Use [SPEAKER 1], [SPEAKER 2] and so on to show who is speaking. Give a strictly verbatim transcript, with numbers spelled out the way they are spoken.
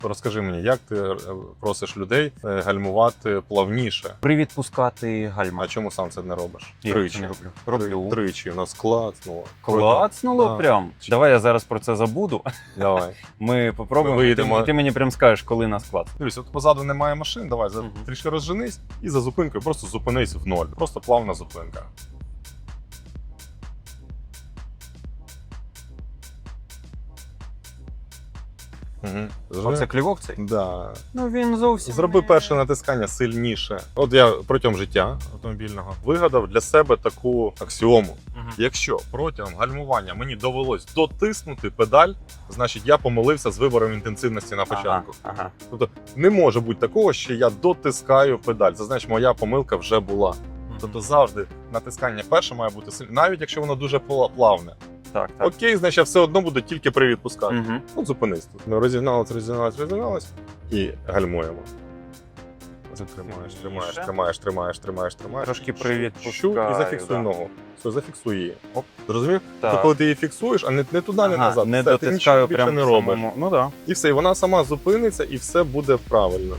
[SPEAKER 1] Розкажи мені, як ти е, просиш людей е, гальмувати плавніше?
[SPEAKER 2] При відпускати гальма.
[SPEAKER 1] А чому сам це не робиш?
[SPEAKER 2] Я
[SPEAKER 1] Тричі.
[SPEAKER 2] це не роблю. Роблю.
[SPEAKER 1] Тричі. У нас клацнуло.
[SPEAKER 2] Клацнуло
[SPEAKER 1] Да.
[SPEAKER 2] прям. Давай я зараз про це забуду.
[SPEAKER 1] Давай.
[SPEAKER 2] Ми попробуємо.
[SPEAKER 1] Ми виїдемо.
[SPEAKER 2] Ти, ти мені прям скажеш, коли нас клацне.
[SPEAKER 1] Дивись, от позаду немає машин, давай за,
[SPEAKER 2] Мгм.
[SPEAKER 1] трішки розженись і за зупинкою просто зупинись в ноль. Просто плавна зупинка. Угу.
[SPEAKER 2] Оце клівок цей?
[SPEAKER 1] Да.
[SPEAKER 2] Ну він зовсім.
[SPEAKER 1] Зроби
[SPEAKER 2] не-
[SPEAKER 1] перше натискання сильніше. От я протягом життя автомобільного вигадав для себе таку аксіому.
[SPEAKER 2] Мгм.
[SPEAKER 1] Якщо протягом гальмування мені довелось дотиснути педаль, значить я помилився з вибором інтенсивності на початку.
[SPEAKER 2] Ага, ага.
[SPEAKER 1] Тобто не може бути такого, що я дотискаю педаль. Це значить, моя помилка вже була. Тобто завжди натискання перше має бути сильне, навіть якщо воно дуже пла- плавне.
[SPEAKER 2] Так, так.
[SPEAKER 1] Окей, значить я все одно буду тільки при відпусканні.
[SPEAKER 2] Угу.
[SPEAKER 1] Ну, зупинись тут. Ми розігналися, розігналися, розігналися і гальмуємо. Тримаєш, тримаєш, тримаєш, тримаєш, тримаєш, тримаєш.
[SPEAKER 2] Трошки
[SPEAKER 1] Щу,
[SPEAKER 2] привідпускаю,
[SPEAKER 1] щу, і зафіксуй
[SPEAKER 2] да.
[SPEAKER 1] ногу. Все, зафіксуй її. Оп. Зрозумів?
[SPEAKER 2] Так.
[SPEAKER 1] То коли ти її фіксуєш, а не, не туди, не
[SPEAKER 2] Ага,
[SPEAKER 1] назад.
[SPEAKER 2] не
[SPEAKER 1] все, ти
[SPEAKER 2] дотискаю
[SPEAKER 1] нічого більше
[SPEAKER 2] прям
[SPEAKER 1] не
[SPEAKER 2] в
[SPEAKER 1] робиш.
[SPEAKER 2] самому. Ну так. Да.
[SPEAKER 1] І все, і вона сама зупиниться, і все буде правильно.